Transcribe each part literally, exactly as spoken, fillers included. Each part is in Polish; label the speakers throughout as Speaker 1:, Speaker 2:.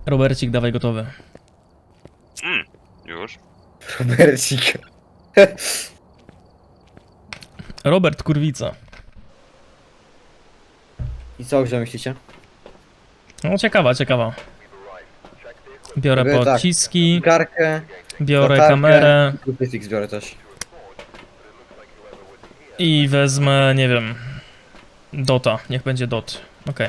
Speaker 1: Robercik, dawaj gotowy.
Speaker 2: Mm, już.
Speaker 3: Robercik.
Speaker 1: Robert Kurwica.
Speaker 3: I co, że myślicie?
Speaker 1: No ciekawa, ciekawa. Biorę
Speaker 3: Robię tak.
Speaker 1: pociski,
Speaker 3: Karkę,
Speaker 1: biorę
Speaker 3: latarkę
Speaker 1: kamerę
Speaker 3: i krucyfiks biorę też.
Speaker 1: i wezmę, nie wiem, Dota. Niech będzie Dot. Okej.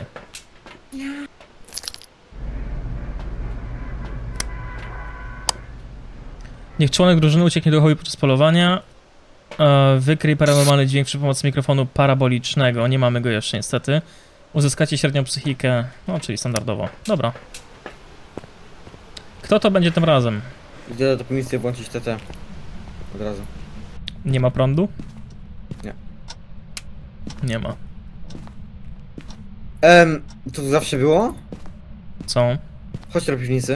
Speaker 1: Niech członek drużyny ucieknie do hobby podczas polowania. E, wykryj paranormalny dźwięk przy pomocy mikrofonu parabolicznego. Nie mamy go jeszcze niestety. Uzyskacie średnią psychikę, no czyli standardowo. Dobra. Kto to będzie tym razem?
Speaker 3: Idę do pomisji włączyć T T. Od razu.
Speaker 1: Nie ma prądu?
Speaker 3: Nie.
Speaker 1: Nie ma.
Speaker 3: Em, to tu zawsze było?
Speaker 1: Co?
Speaker 3: Chodź do piwnicy.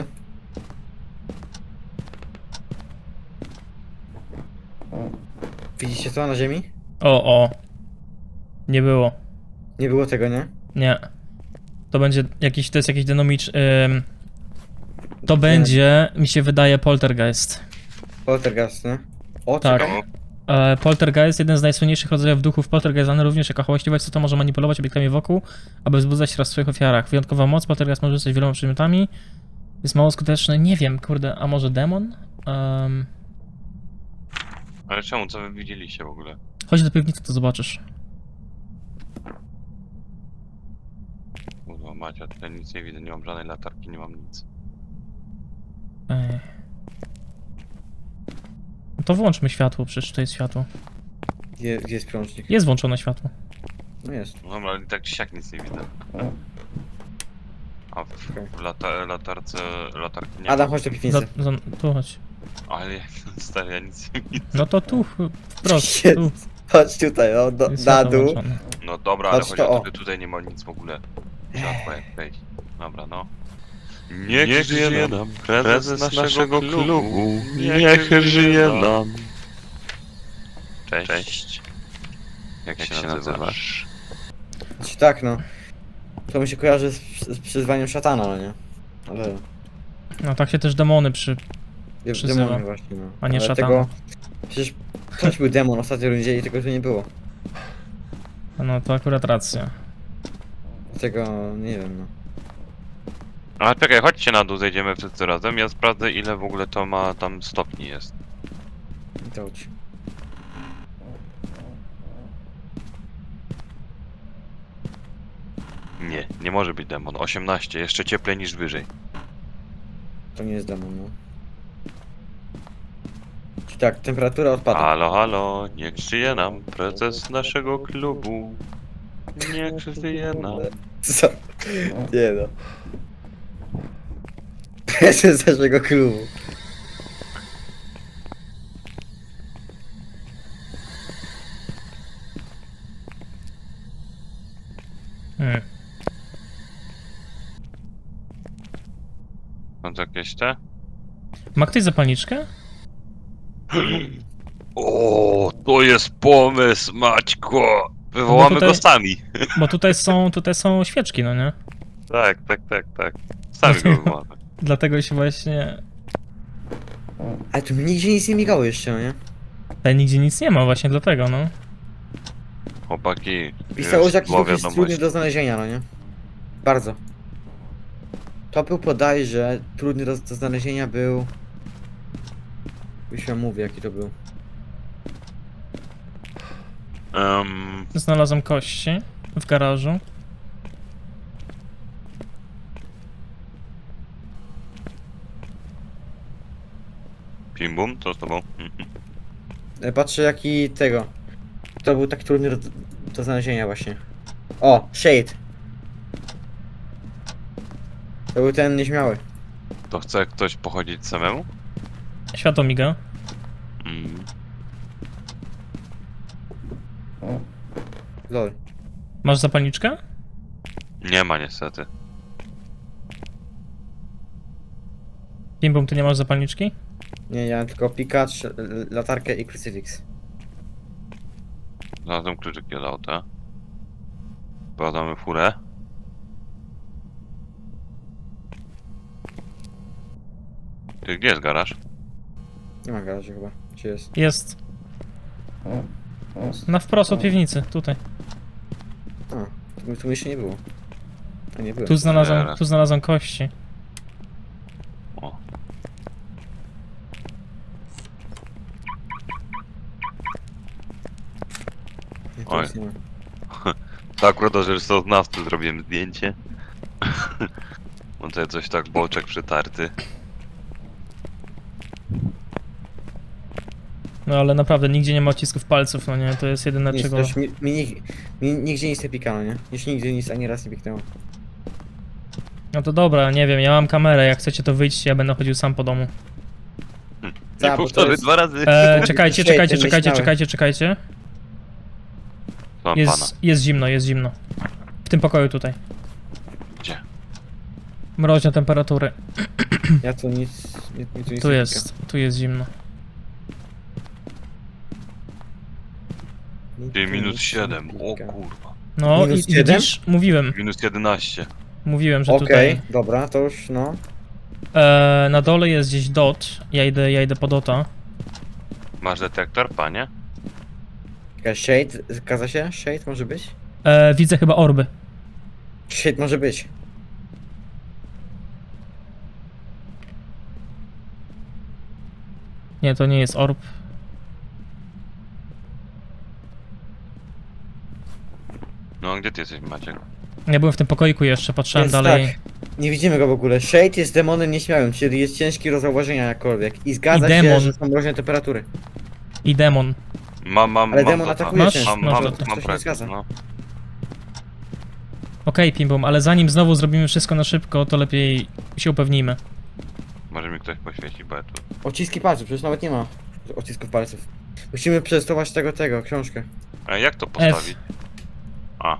Speaker 3: Widzicie to na ziemi?
Speaker 1: O, o. Nie było.
Speaker 3: Nie było tego, nie?
Speaker 1: Nie. To będzie jakiś, to jest jakiś dynamicz... Ym, to będzie, mi się wydaje, poltergeist.
Speaker 3: Poltergeist, nie? O,
Speaker 1: Tak.
Speaker 3: czekaj.
Speaker 1: E, poltergeist, jeden z najsłynniejszych rodzajów duchów, poltergeist znany również jako hałaśliwa istota, może manipulować obiektami wokół, aby wzbudzać raz w swoich ofiarach. Wyjątkowa moc, poltergeist może rzucać wieloma przedmiotami. Jest mało skuteczny, nie wiem, kurde, a może demon? Um,
Speaker 2: Ale czemu, co wy widzieliście w ogóle?
Speaker 1: chodź do piwnicy, to zobaczysz.
Speaker 2: Kurwa Macia, tutaj nic nie widzę, nie mam żadnej latarki, nie mam nic.
Speaker 1: Ej. No to włączmy światło, przecież to jest światło.
Speaker 3: Gdzie, gdzie jest prążnik?
Speaker 1: Jest włączone światło.
Speaker 3: No jest.
Speaker 2: No dobra, ale i tak czy siak nic nie widzę. A w, w lata, latarce, latarki nie
Speaker 3: Adam,
Speaker 2: ma.
Speaker 3: chodź do
Speaker 1: Za,
Speaker 3: piwnicy.
Speaker 1: za, tu chodź.
Speaker 2: Ale ja, stary, ja nic nie widzę.
Speaker 1: No to tu, wprost,
Speaker 3: Jest.
Speaker 1: tu.
Speaker 3: Chodź tutaj, o, do,
Speaker 1: Jest
Speaker 3: na
Speaker 1: światło
Speaker 3: dół.
Speaker 1: włączone.
Speaker 2: No dobra, ale
Speaker 3: Patrz
Speaker 2: chodzi
Speaker 3: to,
Speaker 2: o
Speaker 3: o.
Speaker 2: to, że tutaj nie ma nic w ogóle. Światła jak wejść. Dobra, no. Niech,
Speaker 4: Niech
Speaker 2: żyje
Speaker 4: żyje
Speaker 2: nam
Speaker 4: nam
Speaker 2: prezes
Speaker 4: prezes
Speaker 2: naszego
Speaker 4: naszego
Speaker 2: klubu.
Speaker 4: klubu.
Speaker 2: Niech
Speaker 4: Niech
Speaker 2: żyje
Speaker 4: żyje
Speaker 2: nam.
Speaker 4: nam.
Speaker 2: Cześć. Cześć. Jak,
Speaker 4: Jak
Speaker 2: się,
Speaker 4: się
Speaker 2: nazywasz?
Speaker 4: nazywasz?
Speaker 3: Znaczy tak, no. To mi się kojarzy z, z przyzwaniem szatana, no nie? Ale...
Speaker 1: No tak się też demony przy...
Speaker 3: Ja
Speaker 1: Przyzywa.
Speaker 3: demony właśnie, no.
Speaker 1: A nie
Speaker 3: Ale
Speaker 1: szatana.
Speaker 3: tego... Przecież ktoś był demon w ostatniej rundzie i tego tu nie było.
Speaker 1: No to akurat racja.
Speaker 3: Dlatego nie wiem, no.
Speaker 2: Ale czekaj, chodźcie na dół, zejdziemy wszyscy razem. Ja sprawdzę, ile w ogóle to ma tam stopni jest.
Speaker 3: I to chodź.
Speaker 2: Nie, nie może być demon. osiemnaście, jeszcze cieplej niż wyżej.
Speaker 3: To nie jest demon, no. Czyli tak, temperatura odpada.
Speaker 2: Halo, halo, niech żyje nam prezes naszego klubu. Niech żyje nam.
Speaker 3: Co? Nie no. Prezes naszego klubu.
Speaker 1: Hmm.
Speaker 2: Są to jakieś te?
Speaker 1: Ma ktoś zapalniczkę?
Speaker 2: O, to jest pomysł, Maćko! Wywołamy
Speaker 1: tutaj-
Speaker 2: go sami.
Speaker 1: Bo tutaj są, tutaj są świeczki, no nie?
Speaker 2: Tak, tak, tak, tak. Sami go wywołamy.
Speaker 1: Dlatego się właśnie...
Speaker 3: Ale tu mi nigdzie nic nie migało jeszcze, no nie?
Speaker 1: Tutaj nigdzie nic nie ma, właśnie dlatego, no.
Speaker 2: Chłopaki,
Speaker 3: Pisało,
Speaker 2: już
Speaker 3: że jakiś
Speaker 2: było
Speaker 3: duch jest
Speaker 2: wiadomość.
Speaker 3: trudny do znalezienia, no nie? Bardzo. To był bodajże trudny do, do znalezienia był... Już wam mówię jaki to był.
Speaker 2: Um,
Speaker 1: Znalazłem kości w garażu.
Speaker 2: Pim bum, co z tobą?
Speaker 3: E, Patrzę jaki tego. To był taki trudny do, do znalezienia właśnie. O, Shade. To był ten nieśmiały.
Speaker 2: To chce ktoś pochodzić samemu?
Speaker 1: Światło miga.
Speaker 2: Mm.
Speaker 3: Lol.
Speaker 1: Masz zapalniczkę?
Speaker 2: Nie ma niestety.
Speaker 1: Pimbum, ty nie masz zapalniczki?
Speaker 3: Nie, ja mam tylko pikacz, l- latarkę i crucifix.
Speaker 2: Znalazłem kluczyki od auta. Badamy furę. Ty, gdzie jest garaż?
Speaker 3: Nie ma garażu chyba. Czy jest?
Speaker 1: Jest. Na wprost od piwnicy, tutaj.
Speaker 3: A, tu, tu jeszcze nie było. A nie było.
Speaker 1: Tu znalazłem, tu znalazłem kości.
Speaker 2: O.
Speaker 3: Nie, tu
Speaker 2: Oj.
Speaker 3: nic nie ma.
Speaker 2: Tak, akurat do szesnastu zrobiłem zdjęcie. Mam tutaj coś tak, boczek przytarty.
Speaker 1: No ale naprawdę nigdzie nie ma odcisków palców, no nie, to jest jedyne
Speaker 3: Nic,
Speaker 1: czego...
Speaker 3: też mi, mi, nig- mi nigdzie nic nie pikało, nie? Jeszcze nigdy nic ani raz nie piknęło.
Speaker 1: No to dobra, nie wiem, ja mam kamerę, jak chcecie to wyjdźcie, ja będę chodził sam po domu.
Speaker 2: Nie
Speaker 3: Tak, bo to
Speaker 2: powtórzę
Speaker 3: jest-
Speaker 2: dwa razy.
Speaker 1: E, czekajcie,
Speaker 3: Świetnie,
Speaker 1: czekajcie, czekajcie,
Speaker 3: myślałem.
Speaker 1: czekajcie, czekajcie.
Speaker 2: Mam pana.
Speaker 1: Jest, jest zimno, jest zimno. W tym pokoju tutaj.
Speaker 2: Gdzie?
Speaker 1: Mroźne temperatury.
Speaker 3: Ja tu nic... Nie, mi tu nic
Speaker 1: Tu
Speaker 3: nie
Speaker 1: jest, tu jest zimno.
Speaker 3: pika. Mi
Speaker 2: Ty,
Speaker 3: tu
Speaker 2: minus
Speaker 3: nic
Speaker 2: siedem.
Speaker 3: nie
Speaker 2: O
Speaker 3: pika.
Speaker 2: kurwa.
Speaker 1: No i
Speaker 3: Minus
Speaker 1: i
Speaker 3: siedem?
Speaker 1: widzisz, mówiłem,
Speaker 2: Minus jedenaście.
Speaker 1: mówiłem, że
Speaker 3: Okej,
Speaker 1: tutaj...
Speaker 3: dobra, to już no.
Speaker 1: E, na dole jest gdzieś dot, ja idę, ja idę po dota.
Speaker 2: Masz detektor, panie?
Speaker 3: Czekaj, Shade, zgadza się? Shade może być?
Speaker 1: E, widzę chyba orby.
Speaker 3: Shade może być.
Speaker 1: Nie, to nie jest orb.
Speaker 2: No, gdzie ty jesteś, Maciek?
Speaker 1: Ja byłem w tym pokoiku jeszcze, patrzyłem
Speaker 3: Więc
Speaker 1: dalej.
Speaker 3: tak, nie widzimy go w ogóle. Shade jest demonem nieśmiałym, czyli jest ciężki do zauważenia jakkolwiek. I zgadza
Speaker 1: I
Speaker 3: się,
Speaker 1: demon.
Speaker 3: że są mroźne temperatury.
Speaker 1: I demon.
Speaker 2: Mam, mam,
Speaker 3: Ale
Speaker 2: mam
Speaker 3: demon
Speaker 2: dota.
Speaker 3: atakuje
Speaker 1: Masz?
Speaker 3: często.
Speaker 2: Mam,
Speaker 1: Masz
Speaker 2: mam,
Speaker 1: dota.
Speaker 2: mam
Speaker 3: To się nie
Speaker 2: projekt,
Speaker 3: zgadza.
Speaker 2: no.
Speaker 1: Okej, Pimbom, ale zanim znowu zrobimy wszystko na szybko, to lepiej się upewnijmy.
Speaker 2: Może mi ktoś poświeci, bo ja tu...
Speaker 3: Odciski palców, przecież nawet nie ma odcisków palców. Musimy przetestować tego, tego, książkę.
Speaker 2: A jak to postawić? A.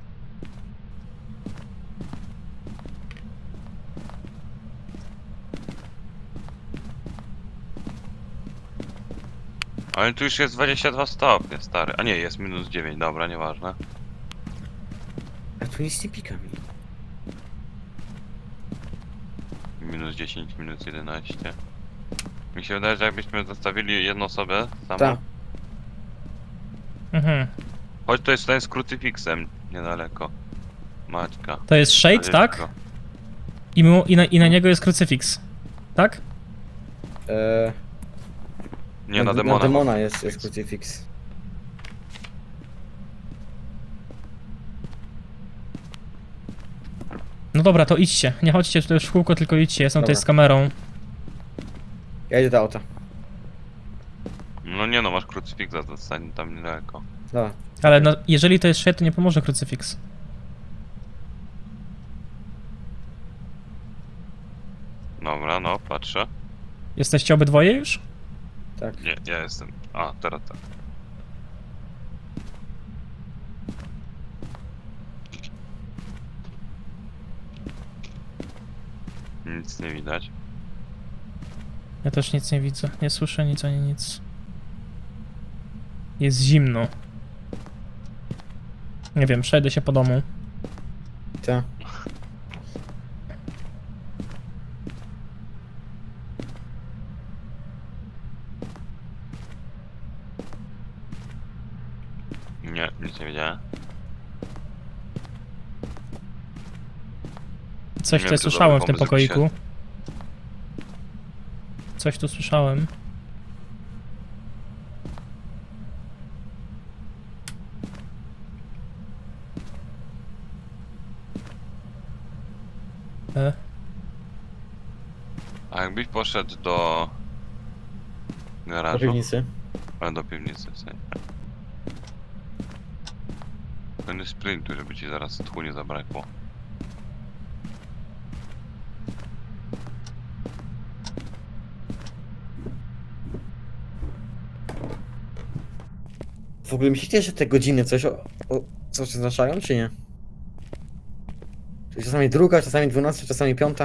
Speaker 2: Ale tu już jest dwadzieścia dwa stopnie, stary. A nie, jest minus dziewięć, dobra, nieważne.
Speaker 3: A tu nic nie pika mi.
Speaker 2: Minus dziesięć, minus jedenaście. Mi się wydaje, że jakbyśmy zostawili jedną osobę samą.
Speaker 3: Tak.
Speaker 1: Mhm.
Speaker 2: Choć to jest ten z krucyfiksem, niedaleko. Maćka.
Speaker 1: To jest Shade, tak? I, mu, i, na, I na niego jest krucyfiks. Tak?
Speaker 3: Eee,
Speaker 2: Nie, na
Speaker 3: Na
Speaker 2: demona.
Speaker 3: demona jest, jest crucifix.
Speaker 1: No dobra, to idźcie. Nie chodźcie tutaj już w kółko, tylko idźcie. Jestem tutaj
Speaker 3: Dobra.
Speaker 1: z kamerą.
Speaker 3: Ja idę do auta.
Speaker 2: No nie no, masz krucyfiksa, zostań tam niedaleko.
Speaker 3: Dobra.
Speaker 1: Ale no, jeżeli to jest Shade, to nie pomoże krucyfiks.
Speaker 2: Dobra, no, patrzę.
Speaker 1: Jesteście obydwoje już?
Speaker 3: Tak.
Speaker 2: Nie, ja jestem. A, teraz tak. Nic nie widać.
Speaker 1: Ja też nic nie widzę. Nie słyszę nic ani nic. Jest zimno. Nie wiem, przejdę się po domu.
Speaker 3: Tak.
Speaker 2: Nie, nic nie widziałem.
Speaker 1: Coś
Speaker 2: Nie
Speaker 1: tutaj
Speaker 2: wiem, czy
Speaker 1: słyszałem w
Speaker 2: dobry
Speaker 1: tym
Speaker 2: pomysł, żeby
Speaker 1: pokoiku. Coś tu słyszałem. E,
Speaker 2: A jakbyś poszedł do
Speaker 3: Do
Speaker 2: garażu,
Speaker 3: piwnicy.
Speaker 2: ale do piwnicy w sensie. Ten sprintu, żeby ci zaraz tchu nie zabrakło.
Speaker 3: W ogóle myślicie, że te godziny coś o, o, coś oznaczają, czy nie? Czyli czasami druga, czasami dwunasta, czasami piąta.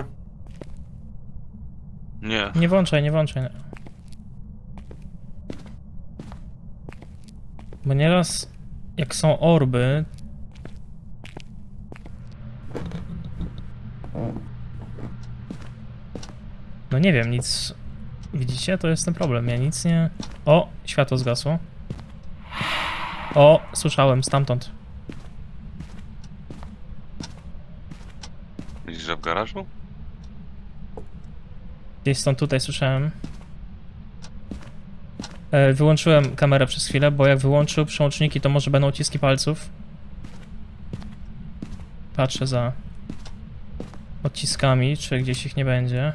Speaker 2: Nie,
Speaker 1: nie włączaj, nie włączaj. Bo nieraz jak są orby... No nie wiem, nic... Widzicie? To jest ten problem, ja nic nie... O! Światło zgasło. O! Słyszałem stamtąd.
Speaker 2: Widzisz, że w garażu?
Speaker 1: Gdzieś stąd tutaj słyszałem. E, wyłączyłem kamerę przez chwilę, bo jak wyłączył przełączniki, to może będą odciski palców. Patrzę za odciskami, czy gdzieś ich nie będzie.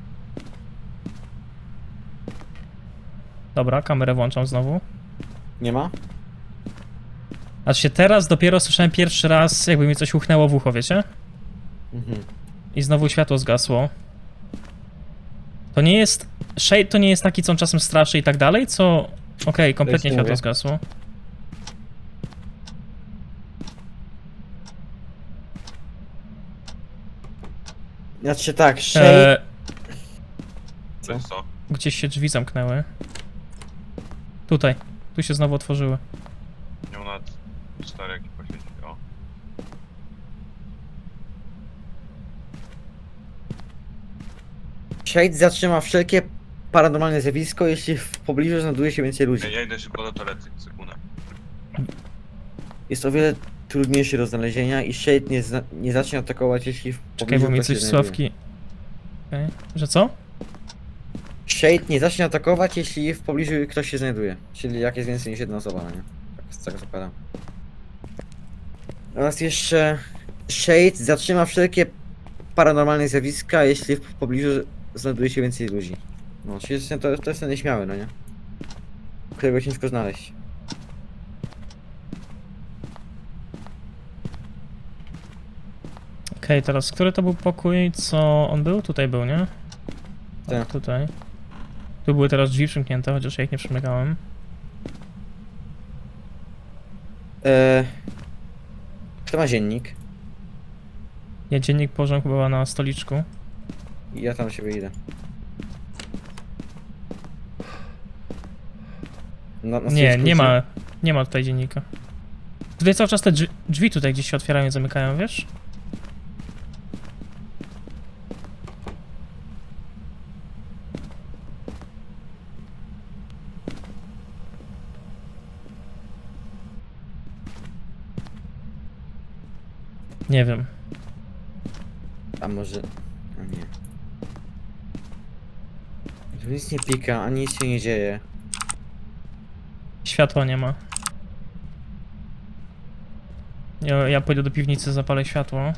Speaker 1: Dobra, kamerę włączam znowu.
Speaker 3: Nie ma?
Speaker 1: Aż się teraz dopiero słyszałem pierwszy raz, jakby mi coś uchnęło w ucho, wiecie?
Speaker 3: Mhm.
Speaker 1: I znowu światło zgasło. To nie jest... Shade to nie jest taki, co on czasem straszy i tak dalej, co... Okej, kompletnie
Speaker 3: nie
Speaker 1: światło
Speaker 3: mówię.
Speaker 1: zgasło.
Speaker 3: Znaczy tak, Shade...
Speaker 1: E,
Speaker 2: To jest co?
Speaker 1: gdzieś się drzwi zamknęły. Tutaj. Tu się znowu otworzyły.
Speaker 2: Nie ma nawet cztery jakie poświęcić. O.
Speaker 3: Shade zatrzyma wszelkie paranormalne zjawisko, jeśli w pobliżu znajduje się więcej ludzi.
Speaker 2: Ja, ja idę szybko do toalety, sekundę.
Speaker 3: Jest o wiele trudniejszy do znalezienia i Shade nie, zna- nie zacznie atakować, jeśli w
Speaker 1: Czekaj,
Speaker 3: pobliżu
Speaker 1: bo mi
Speaker 3: ktoś
Speaker 1: coś
Speaker 3: się
Speaker 1: z
Speaker 3: znajduje.
Speaker 1: sławki... Okej. Że co?
Speaker 3: Shade nie zacznie atakować, jeśli w pobliżu ktoś się znajduje. Czyli jak jest więcej niż jedna osoba, no nie? Tak z tego zakładam. Oraz jeszcze... Shade zatrzyma wszelkie paranormalne zjawiska, jeśli w pobliżu znajduje się więcej ludzi. No, czyli jest- to, to jest ten nieśmiały, no nie? Którego ciężko znaleźć.
Speaker 1: Okej, teraz który to był pokój, co on był? Tutaj był, nie? Tak,
Speaker 3: Tak.
Speaker 1: tutaj. Tu były teraz drzwi przymknięte, chociaż ja ich nie przymykałem.
Speaker 3: Eee... Kto ma dziennik?
Speaker 1: Ja dziennik położyłem chyba na stoliczku.
Speaker 3: I ja tam siebie idę. Na, na
Speaker 1: Nie,
Speaker 3: stoliczku
Speaker 1: nie
Speaker 3: jest-
Speaker 1: ma, nie ma tutaj dziennika. Tutaj cały czas te drzwi, drzwi tutaj gdzieś się otwierają i zamykają, wiesz? Nie wiem.
Speaker 3: A może... A nie. Tu nic nie pika, ani nic się nie dzieje.
Speaker 1: Światła nie ma. Ja, ja pójdę do piwnicy, zapalę światło.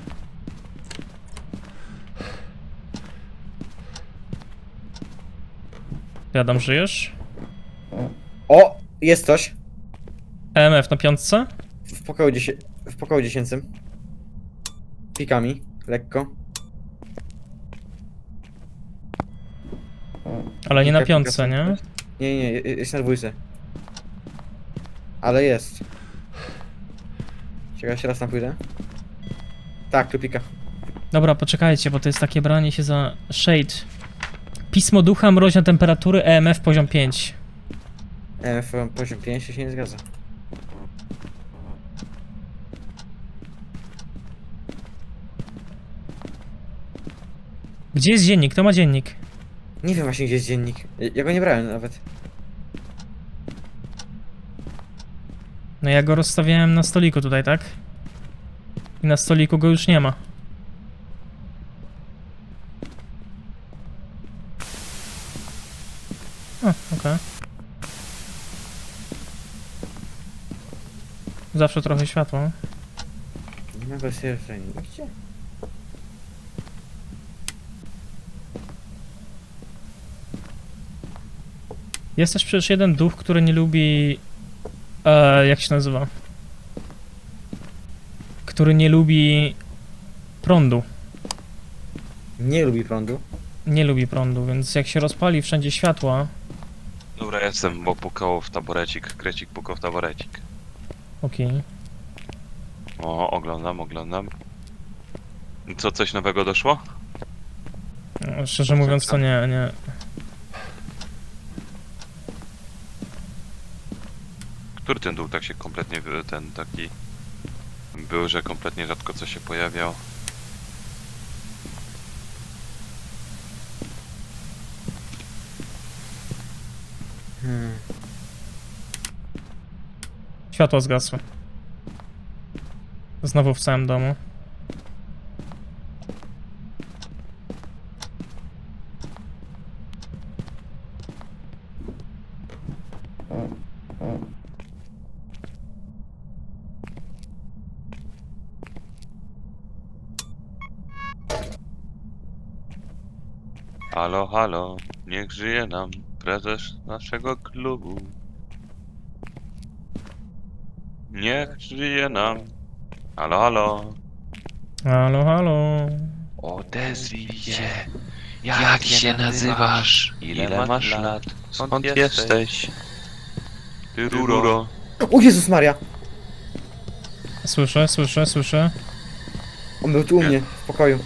Speaker 1: Ty, Adam, żyjesz?
Speaker 3: O! Jest coś!
Speaker 1: E M F na piątce?
Speaker 3: W pokoju, dziesię... w pokoju dziesięcym. Pikami, lekko.
Speaker 1: Ale nie na
Speaker 3: Pika,
Speaker 1: piątce,
Speaker 3: pika,
Speaker 1: nie?
Speaker 3: Nie, nie, nie, jest na dwójce. Ale jest. Czekaj, jeszcze raz tam pójdę. Tak, tu pika.
Speaker 1: Dobra, poczekajcie, bo to jest takie branie się za shade. Pismo ducha, mroźne temperatury, E M F poziom pięć.
Speaker 3: E, F poziom pięć się nie zgadza.
Speaker 1: Gdzie jest dziennik? Kto ma dziennik?
Speaker 3: Nie wiem właśnie gdzie jest dziennik. Ja- Ja go nie brałem nawet.
Speaker 1: No ja go rozstawiałem na stoliku tutaj, tak? I na stoliku go już nie ma. O, okej. Zawsze trochę światła.
Speaker 3: Nie ma go serca nigdzie.
Speaker 1: Jest też przecież jeden duch, który nie lubi... E, jak się nazywa? Który nie lubi prądu.
Speaker 3: Nie lubi prądu.
Speaker 1: Nie lubi prądu, więc jak się rozpali wszędzie światła...
Speaker 2: Dobra, jestem, bo pukał w taborecik. Krecik pukał w taborecik.
Speaker 1: Okej.
Speaker 2: O, oglądam, oglądam. Co, coś nowego doszło?
Speaker 1: No, szczerze mówiąc to nie, nie.
Speaker 2: Który ten dół tak się kompletnie, wy- ten taki... Był, że kompletnie rzadko co się pojawiał.
Speaker 3: Hmm.
Speaker 1: Światło zgasło. Znowu w całym domu.
Speaker 2: Halo, halo, niech żyje nam prezes naszego klubu. Niech żyje nam. Halo, halo.
Speaker 1: Halo, halo.
Speaker 2: Odezwij się. Jak się nazywasz? Ile masz lat? Skąd jesteś? Ty ruro.
Speaker 3: O Jezus Maria!
Speaker 1: Słyszę, słyszę, słyszę.
Speaker 3: On był tu u mnie, w pokoju.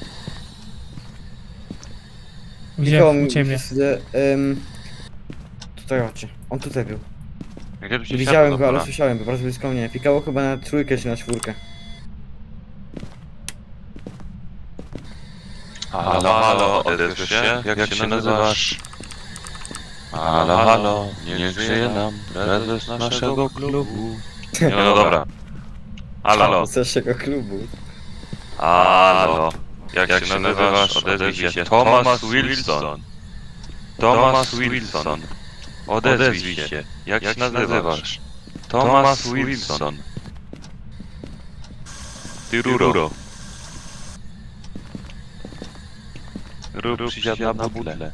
Speaker 1: Gdzie?
Speaker 3: Nikogo
Speaker 1: U
Speaker 3: mi-
Speaker 1: ciebie.
Speaker 3: z- em, Tutaj chodźcie. On tutaj był.
Speaker 2: Gdzie tu się
Speaker 3: Nie widziałem
Speaker 2: światło
Speaker 3: go, ale
Speaker 2: zapala?
Speaker 3: słyszałem go, bardzo blisko mnie. Pikało chyba na trójkę czy na czwórkę.
Speaker 2: Halo, halo, odezwiesz się? Jak się nazywasz? Halo, halo, niech żyje nam prezes naszego klubu. No dobra. Halo,
Speaker 3: Z naszego klubu.
Speaker 2: halo. Jak się nazywasz? Odezwij się. Thomas Wilson. Thomas Wilson. Odezwij się. Jak się nazywasz? Thomas Wilson. Ty ruro. Rób przysiad na budle.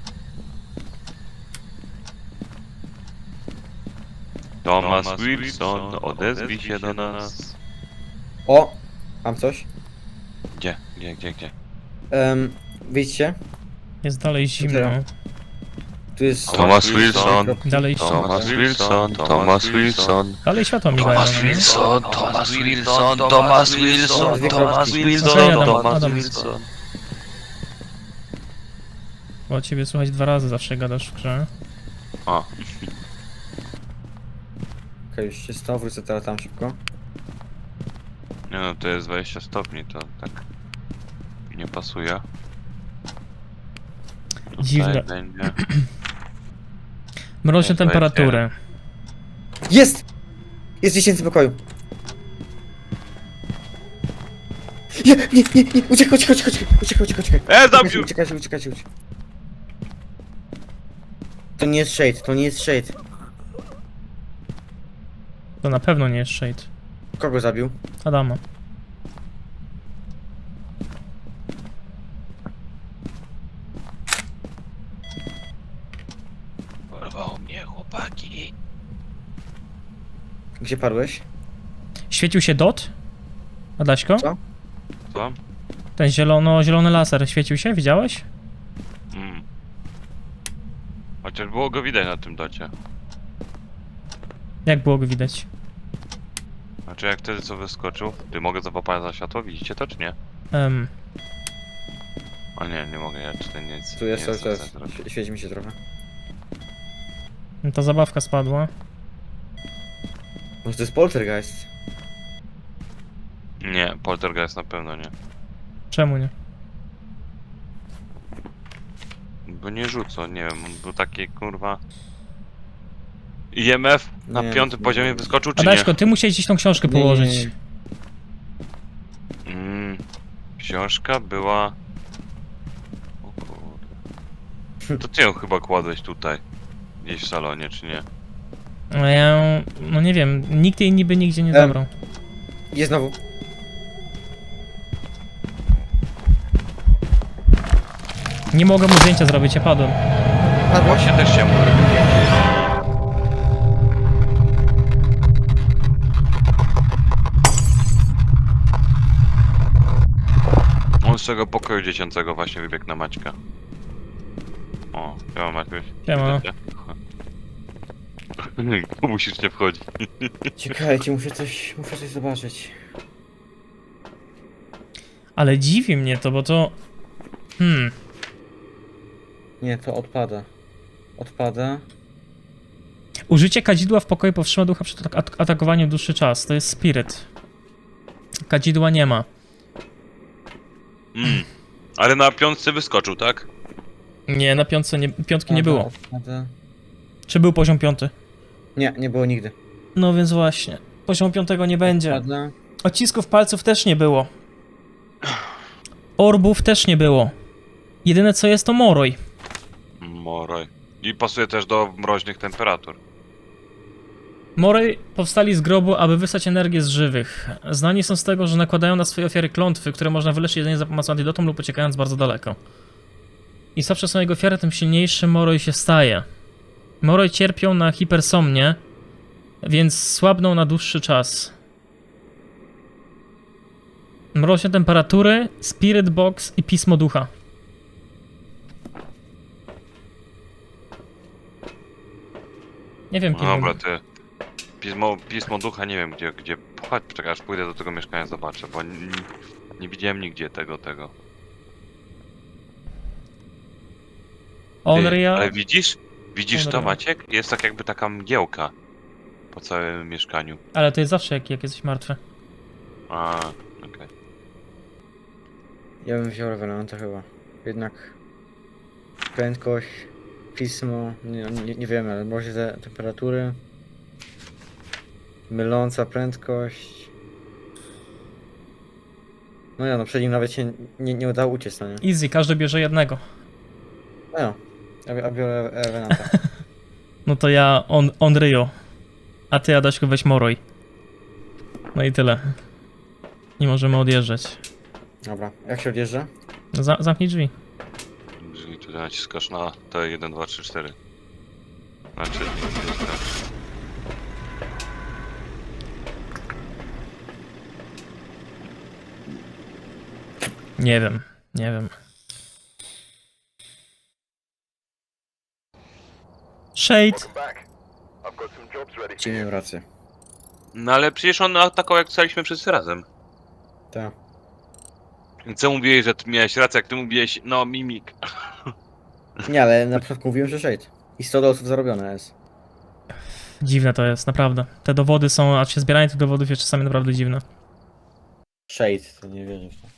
Speaker 2: Thomas Wilson, odezwij się do nas.
Speaker 3: O! Mam coś.
Speaker 2: Gdzie, gdzie, gdzie, gdzie?
Speaker 3: Um, wyjdźcie.
Speaker 1: Jest dalej zimno.
Speaker 3: Tu jest...
Speaker 2: Thomas Wilson.
Speaker 1: Dalej
Speaker 2: Thomas Wilson, Thomas Wilson.
Speaker 1: Dalej światło migają.
Speaker 4: Thomas
Speaker 1: no nie?
Speaker 4: Wilson, Thomas Wilson, Thomas Wilson, Thomas Wilson,
Speaker 1: Okej, Adam,
Speaker 4: Thomas
Speaker 1: Adam.
Speaker 4: Wilson.
Speaker 1: Bo ciebie słuchać dwa razy zawsze gadasz w grze.
Speaker 2: O,
Speaker 3: Okej, już się stało, wrócę teraz tam szybko.
Speaker 2: nie no, to jest dwadzieścia stopni, to tak nie pasuje. Tutaj
Speaker 1: Dziwne.
Speaker 2: będzie.
Speaker 1: Mroźne
Speaker 2: Jest
Speaker 1: temperatury.
Speaker 3: Jest! Jest w dziesięcym pokoju. Nie, nie, nie, nie, uciekaj, uciekaj, uciekaj, uciekaj, uciekaj, uciekaj.
Speaker 2: E, zabił!
Speaker 3: Uciekajcie, uciekajcie, uciekajcie. To nie jest shade, to nie jest shade.
Speaker 1: To na pewno nie jest shade.
Speaker 3: Kogo zabił?
Speaker 1: Adama.
Speaker 4: Porwał mnie chłopaki.
Speaker 3: Gdzie padłeś?
Speaker 1: Świecił się dot? Adaśko?
Speaker 3: Co?
Speaker 2: Co?
Speaker 1: Ten zielono, zielony laser świecił się? Widziałeś?
Speaker 2: Mm. Chociaż było go widać na tym docie.
Speaker 1: Jak było go widać?
Speaker 2: Znaczy jak wtedy co wyskoczył? Ty mogę zapapać za światło? Widzicie to czy nie?
Speaker 1: Um,
Speaker 2: O nie, nie mogę, ja czy to nic.
Speaker 3: Tu jest
Speaker 2: nie
Speaker 3: cały czas.
Speaker 2: chcę zrobić.
Speaker 3: Świe- Świeci mi się trochę.
Speaker 1: ta zabawka spadła.
Speaker 3: Może to jest poltergeist?
Speaker 2: Nie, poltergeist na pewno nie.
Speaker 1: Czemu nie?
Speaker 2: Bo nie rzucą, nie wiem, on był taki kurwa... I M F na
Speaker 3: Nie,
Speaker 2: piątym
Speaker 3: nie,
Speaker 2: poziomie
Speaker 3: nie.
Speaker 2: wyskoczył czy
Speaker 1: Adaśko,
Speaker 2: nie?
Speaker 1: ty musiałeś gdzieś tą książkę
Speaker 3: Nie, nie,
Speaker 1: położyć.
Speaker 3: nie, nie.
Speaker 2: Mm, książka była... O kurde. To ty ją chyba kładłeś tutaj. Gdzieś w salonie, czy nie?
Speaker 1: No ja, no nie wiem, nikt jej niby nigdzie nie
Speaker 3: Em.
Speaker 1: zabrał.
Speaker 3: Jest znowu.
Speaker 1: Nie mogę mu zdjęcia zrobić, ja padłem.
Speaker 3: Padłeś?
Speaker 2: Właśnie też się mówię. On z tego pokoju dziecięcego właśnie wybiegł na Maćka. O, siema Maćkuś.
Speaker 1: Siema.
Speaker 2: Tu musisz nie wchodzić.
Speaker 3: Czekajcie, muszę coś, muszę coś zobaczyć.
Speaker 1: Ale dziwi mnie to, bo to... Hmm,
Speaker 3: Nie, to odpada. Odpada.
Speaker 1: użycie kadzidła w pokoju powstrzyma ducha przed atak atakowaniem dłuższy czas. To jest spirit. Kadzidła nie ma.
Speaker 2: Mm. Ale na piątce wyskoczył, tak?
Speaker 1: Nie, na piątce nie, piątki nie
Speaker 3: Odpada,
Speaker 1: było.
Speaker 3: Odpada.
Speaker 1: Czy był poziom piąty?
Speaker 3: Nie, nie było nigdy.
Speaker 1: No więc właśnie. Poziom piątego nie będzie.
Speaker 3: Ładna.
Speaker 1: Odcisków palców też nie było. Orbów też nie było. Jedyne co jest to Moroj.
Speaker 2: Moroj. I pasuje też do mroźnych temperatur.
Speaker 1: Moroj powstali z grobu, aby wysłać energię z żywych. Znani są z tego, że nakładają na swoje ofiary klątwy, które można wyleczyć jedynie za pomocą antidotum lub uciekając bardzo daleko. Im słabsze są jego ofiary, tym silniejszy Moroj się staje. Moroj cierpią na hipersomnię, więc słabną na dłuższy czas. Mroźne temperatury, Spirit Box i Pismo Ducha. Nie wiem,
Speaker 2: No
Speaker 1: kim
Speaker 2: dobra, ty. Pismo, pismo ducha nie wiem gdzie, gdzie. Chodź, czekaj, aż pójdę do tego mieszkania, zobaczę, bo nie, nie widziałem nigdzie tego, tego. Ty,
Speaker 1: Onrya.
Speaker 2: ale widzisz? Widzisz to,
Speaker 1: Onrya.
Speaker 2: Maciek? Jest tak jakby taka mgiełka po całym mieszkaniu.
Speaker 1: Ale to jest zawsze jak, jak jesteś martwy.
Speaker 2: A, okej.
Speaker 3: Ja bym wziął Revenanta chyba. Jednak prędkość, pismo, nie, nie, nie wiemy, ale może te temperatury. Myląca prędkość. No ja, no przed nim nawet się nie, nie udało uciec, no nie?
Speaker 1: Easy, każdy bierze jednego.
Speaker 3: No ja, ja, bi- ja biorę Revenanta.
Speaker 1: No to ja on, Onryo. A ty, Adaśku, weź Moroj. No i tyle. Nie możemy odjeżdżać.
Speaker 3: Dobra, jak się odjeżdża?
Speaker 1: Za, zamknij drzwi.
Speaker 2: Jeżeli tutaj naciskasz na T jeden, dwa, trzy, cztery. Znaczy, jest tak.
Speaker 1: Nie wiem, nie wiem. Shade.
Speaker 3: Ci miałem rację.
Speaker 2: No ale przecież on atakował jak staliśmy wszyscy razem.
Speaker 3: Tak.
Speaker 2: Co mówiłeś, że ty miałeś rację, jak ty mówiłeś, no mimik.
Speaker 3: Nie, ale na początku mówiłem, że Shade. I sto dolców zarobione jest.
Speaker 1: Dziwne to jest, naprawdę. Te dowody są, a się zbieranie tych dowodów jest czasami naprawdę dziwne.
Speaker 3: Shade, to nie wierzę w to.